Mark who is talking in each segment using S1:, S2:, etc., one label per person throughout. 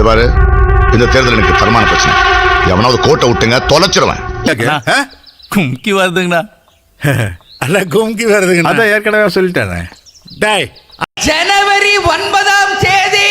S1: இது பாரு, இந்த தேர்தல் எனக்கு தரமான பிரச்சனை. எவனாவது கோட்டை விட்டுங்க தொலைச்சிருவேன்.
S2: கும்கி வருதுங்கண்ணா.
S3: அல்ல கும்கி வருதுங்க. அதான் ஏற்கனவே சொல்லிட்டேன். டேய்,
S4: ஜனவரி 9ஆம் தேதி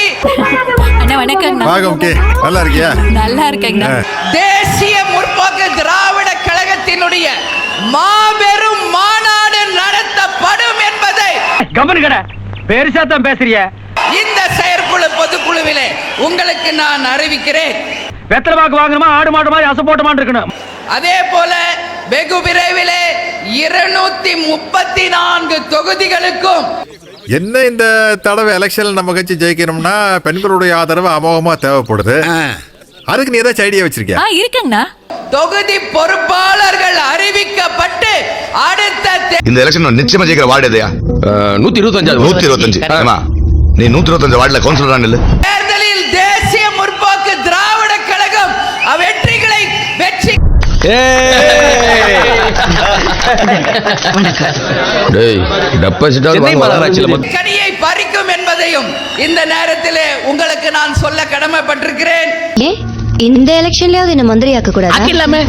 S3: நல்லா இருக்கியா?
S5: நல்லா இருக்கேங்க.
S4: தேசிய முற்போக்கு திராவிட கழகத்தினுடைய மாபெரும் மாநாடு நடத்தப்படும் என்பதை
S6: பெருசாத்தான் பேசுறிய.
S4: இந்த செயற்குழு பொதுக்குழுவிலே உங்களுக்கு நான் அறிவிக்கிறேன்.
S6: வெத்தலை பாக்கு வாங்கணுமா, ஆடு மாடு மாதிரி அசப்போட்டமா இருக்கணும்.
S4: அதே போல வெகு விரைவிலே 234 தொகுதிகளுக்கும்
S3: என்ன இந்த தடவை எலெக்ஷன்ல நம்ம கட்சி ஜெயிக்கணும்னா பெண்களுடைய ஆதரவு அமோகமா தேவைப்படுது. அதுக்கு நீ ஏதாச்சும் ஐடியா வச்சிருக்கியா?
S5: இருக்கேங்கண்ணா.
S4: தொகுதி பொறுப்பாளர்கள் அறிவிக்கப்பட்டு அடுத்த
S1: இந்த எலெக்ஷன் நிச்சயமா ஜெயிக்கிற வார்டு எதையா?
S7: 125.
S1: நீ 125 வார்டுல கவுன்சிலர் இல்ல.
S4: தேர்தலில் தேசிய முற்போக்கு திராவிட கழகம் வெற்றிகளை வெற்றி கனியை பறிக்கும் என்பதையும் இந்த நேரத்திலே உங்களுக்கு நான் சொல்ல கடமைப்பட்டிருக்கிறேன்.
S8: இந்த எலெக்ஷன்லயாவது என்ன மந்திரியாக்க கூடாது.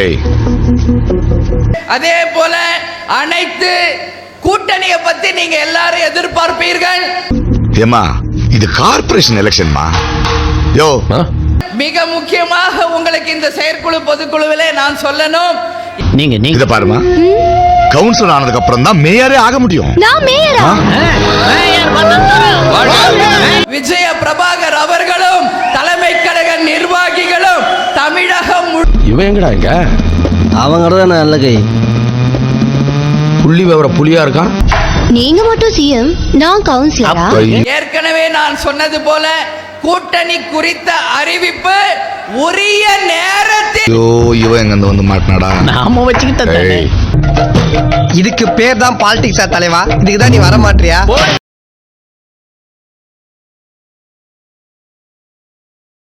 S4: அதே போல அனைத்து கூட்டணியை பத்தி நீங்க எல்லாரும் எதிர்பார்ப்பீர்கள்.
S1: ஏமா, இது கார்ப்பரேஷன் எலெக்ஷன்மா. யோ,
S4: மிக முக்கியமாக உங்களுக்கு இந்த செயற்குழு பொதுக்குழுவிலே நான் சொல்லணும்.
S7: நீங்க
S1: இத பாருமா, கவுன்சிலர் ஆனதுக்கு அப்புறம் தான் மேயரே ஆக முடியும்.
S8: நான் மேயரா?
S4: விஜய பிரபாகர் அவர்களும் தலைமை கழக நிர்வாகிகளும் தமிழகம்
S7: இவன் எங்கடா இங்க?
S6: அவங்கதான் நல்ல கை
S7: புள்ளி விவர புலியா இருக்கான்.
S8: நீங்க மட்டும் சிஎம், நான் கவுன்சிலரா?
S4: ஏற்கனவே நான் சொன்னது போல கூட்டணி குறித்த அறிவிப்பு உரிய நேரத்தில்.
S1: ஐயோ, இவன் எங்க வந்து மாட்டினாடா.
S7: நாம வச்சுக்கிட்ட
S6: இதுக்கு பேர் தான் பாலிடிக்ஸா தலைவா? இதுக்கு தான் நீ வர மாட்டியா?